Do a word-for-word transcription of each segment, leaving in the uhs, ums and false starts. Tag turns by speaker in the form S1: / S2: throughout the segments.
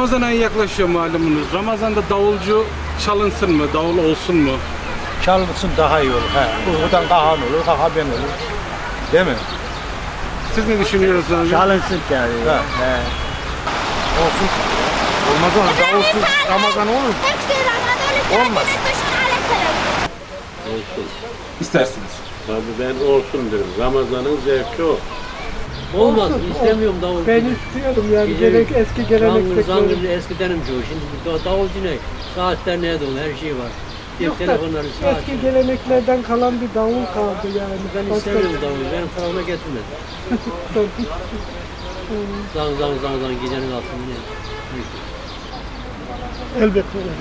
S1: Ramazan ayı yaklaşıyor malumunuz. Ramazan'da davulcu çalınsın mı, davul olsun mu?
S2: Çalınsın daha iyi olur. He. Buradan Kahan olur, Kaha ben olur. Değil mi?
S1: Siz ne düşünüyorsunuz abi?
S2: Çalınsın yani. He. He. Olsun. Olmaz olur. Davulsuz Ramazan olur mu? Olmaz.
S3: Olsun.
S1: İstersiniz.
S3: Tabii ben olsun derim. Ramazan'ın zevki o.
S4: Olmaz, istemiyorum davul.
S5: Ben istiyorum yani
S4: Bizim
S5: gerek eski
S4: Zangır
S5: geleneksekleri.
S4: zangır eskidenim çoğu. Şimdi bu davulcu ne? Saatler ne dolu, her şey var. Cep
S5: Yok da
S4: telefonları, saat.
S5: eski geleneklerden kalan bir davul kaldı yani.
S4: Ben
S5: Başka-
S4: istemiyorum davul, benim tarafıma getirme. Zang zang zang zang gecenin altında ne?
S5: Elbette öyle.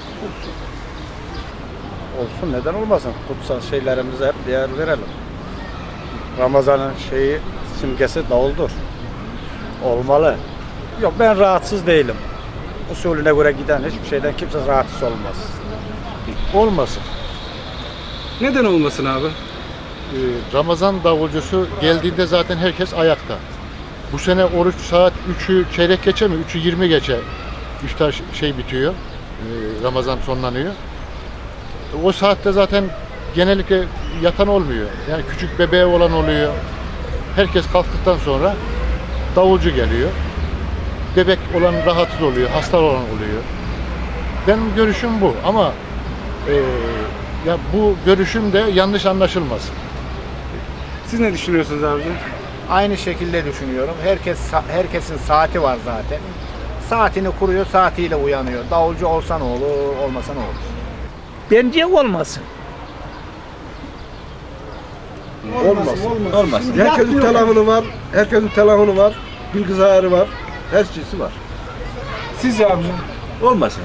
S2: Olsun, neden olmasın? Kutsal şeylerimize hep değer verelim. Ramazan'ın şeyi, simgesi davuldur. Olmalı. Yok, ben rahatsız değilim. Usulüne göre giden hiçbir şeyden kimse rahatsız olmaz. Olmasın.
S1: Neden olmasın abi?
S6: Ee, Ramazan davulcusu geldiğinde zaten herkes ayakta. Bu sene oruç saat üçü çeyrek geçe mi? üçü yirmi geçe iftar şey bitiyor. Ee, Ramazan sonlanıyor. O saatte zaten genellikle yatan olmuyor. Yani küçük bebeği olan oluyor. Herkes kalktıktan sonra davulcu geliyor. Bebek olan rahatsız oluyor, hasta olan oluyor. Benim görüşüm bu ama e, ya bu görüşüm de yanlış anlaşılmasın.
S1: Siz ne düşünüyorsunuz abicim?
S7: Aynı şekilde düşünüyorum. Herkes herkesin saati var zaten. Saatini kuruyor, saatiyle uyanıyor. Davulcu olsa ne olur, olmasa ne olur?
S5: Bence olmasın.
S8: Olmasın. Olmasın. Herkesin telefonu var. Herkesin telefonu var. Bilgisayarı var. Her şeysi var.
S1: Sizce abicim?
S8: Olmasın.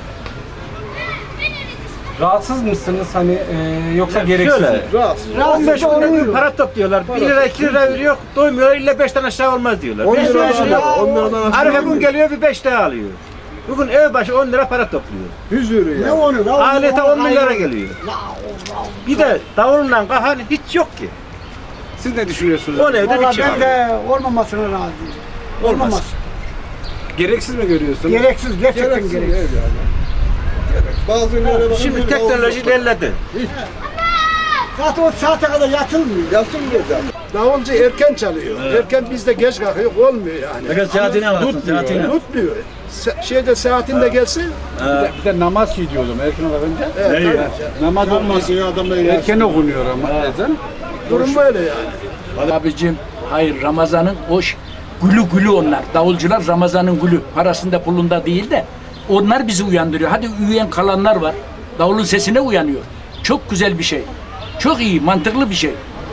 S1: Rahatsız mısınız hani e, yoksa gereksiz mi?
S8: Rahatsız.
S2: on beş gün para topluyorlar. bir lira iki lira veriyor. Doymuyor. İlle beşten aşağı olmaz diyorlar.
S8: on
S2: beş
S8: lira
S2: lira
S8: aşağı. on liradan aşağı.
S2: Arife gün geliyor bir beş lira alıyor. Bugün ev başı on lira para topluyor.
S8: Hüzürü ya.
S2: Alete on milyara geliyor. Bir de davulla kahan hiç yok ki.
S1: Siz ne düşünüyorsunuz?
S2: On evde bir şey
S5: Ben
S2: var.
S5: de olmamasına razıyım.
S2: Olmaz.
S1: Gereksiz mi görüyorsunuz?
S5: Gereksiz, gerçekten
S8: Gereksiz
S5: gereksiz.
S8: değil yani. Bazı ünlere bakın.
S2: Şimdi
S8: bir
S2: teknoloji
S8: davul-
S2: ilerledi.
S5: Zaten o saate kadar yatılmıyor.
S8: Yatılmıyor zaten. Davulcu erken çalıyor. Erken biz de geç kalkıyor. Olmuyor yani.
S2: Fakat saatini alırsın,
S8: Tutmuyor.
S2: saatini.
S8: Tutmuyor. Se- şeyde saatinde gelsin.
S1: Bir de namaz ki diyordum erken olunca.
S8: Evet, tabii.
S1: Namaz olmaz. Erken okunuyor ama ezan.
S8: Durum böyle yani.
S9: Abicim hayır, Ramazan'ın o ş- gülü gülü onlar. Davulcular Ramazan'ın gülü. Parasında pulunda değil de onlar bizi uyandırıyor. Hadi uyuyan kalanlar var. Davulun sesine uyanıyor. Çok güzel bir şey. Çok iyi, mantıklı bir şey.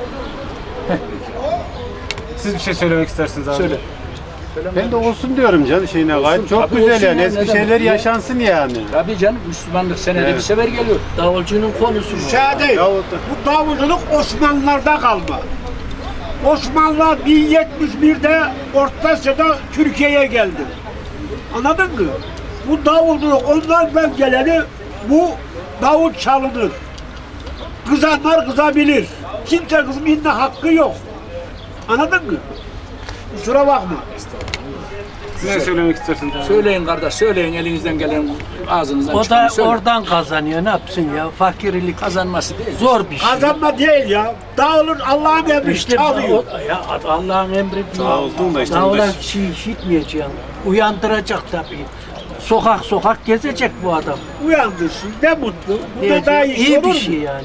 S1: Siz bir şey söylemek istersiniz abi.
S9: Söyle.
S10: Ben de olsun diyorum canım şeyine gayet. Çok
S9: Tabii
S10: güzel
S9: olsun
S10: yani.
S9: ya,
S10: Eski
S9: ne
S10: şeyler
S9: demek?
S10: yaşansın yani.
S9: Tabii canım, Müslümanlık senede
S10: Evet.
S9: bir sefer geliyor.
S4: Davulcunun konusu mu?
S11: Şey değil, bu davulculuk Osmanlılar'da kalma. Osmanlılar bin yetmiş birde Orta Asya'da Türkiye'ye geldi. Anladın mı? Bu davulculuk onlardan geleni bu davul çalınır. Kızanlar kızabilir. Kimse kızmayın da hakkı yok. Anladın mı? Kusura bakma.
S1: Siz ne söylemek istersiniz abi?
S9: Söyleyin kardeş, söyleyin elinizden gelen ağzınızdan
S4: O da
S9: çıkanı söyleyin.
S4: oradan kazanıyor, ne yapsın ya? Fakirlik
S9: Kazanması değil.
S4: zor bir şey.
S11: Kazanma değil ya. Davulun Allah'ın emri
S4: İşte
S11: çalıyor.
S4: o- ya Allah'ın emri değil. Davula kişiyi işitmeyeceksin. Uyandıracak tabii. Sokak sokak gezecek bu adam.
S11: Uyandırsın. Ne mutlu. Bu da
S4: Diyecek,
S11: daha iyi,
S4: iyi
S11: olur
S4: bir
S11: mu?
S4: şey yani.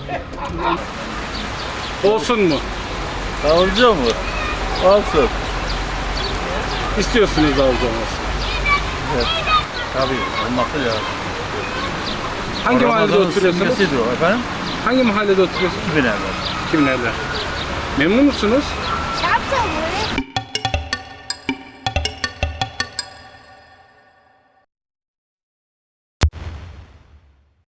S1: Olsun mu?
S2: Davulcu mu? Olsun.
S1: İstiyorsunuz davulcu olmasın.
S2: Tabii olması lazım.
S1: Hangi mahallede
S2: Ramazan'ın
S1: oturuyorsunuz?
S2: simgesidir o efendim.
S1: Hangi mahallede oturuyorsunuz?
S2: iki bin evvel.
S1: Kimlerden? Memnun musunuz?
S12: Şapşal